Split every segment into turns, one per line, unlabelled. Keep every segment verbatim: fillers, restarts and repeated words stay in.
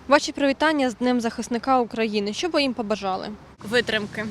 Ваші привітання з Днем захисника України. Що ви їм побажали?
Витримки.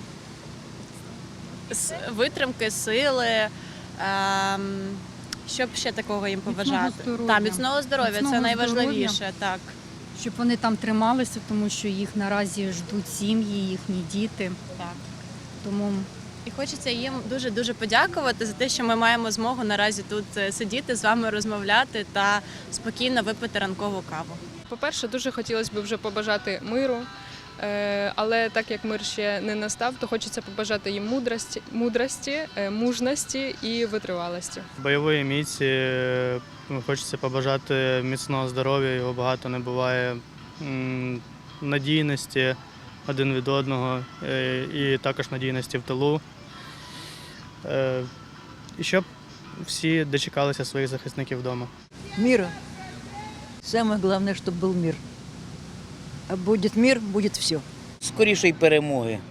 С- Витримки, сили. Ем, що б ще такого їм побажати?
здоров'я.
Так, міцного здоров'я,
Міцного
це найважливіше.
здоров'я.
Так.
Щоб вони там трималися, тому що їх наразі ждуть сім'ї, їхні діти.
Так.
Тому
І хочеться їм дуже-дуже подякувати за те, що ми маємо змогу наразі тут е, сидіти, з вами розмовляти та спокійно випити ранкову каву.
По-перше, дуже хотілося б вже побажати миру, е, але так як мир ще не настав, то хочеться побажати їм мудрості, мудрості, е, мужності і витривалості.
Бойової міці е, хочеться побажати міцного здоров'я, його багато не буває, м, надійності один від одного е, і також надійності в тилу. Е, І щоб всі дочекалися своїх захисників вдома.
Мира. Самое главное, чтобы был мир. А будет мир, будет все.
Скорішої перемоги.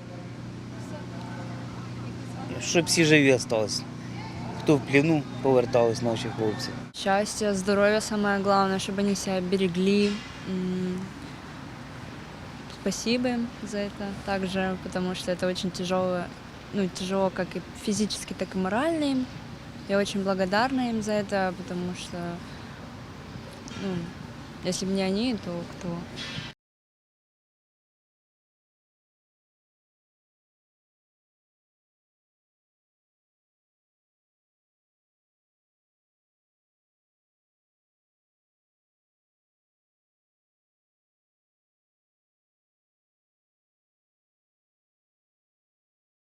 Щоб всі живі залишились. Хто в пліну, повертались наші хлопці.
Счастья, здоровья самое главное, чтобы они себя берегли. М, Спасибо им за это также, потому что это очень тяжело, ну, тяжело как и физически, так и морально им. Я очень благодарна им за это, потому что, ну, если бы не они, то кто?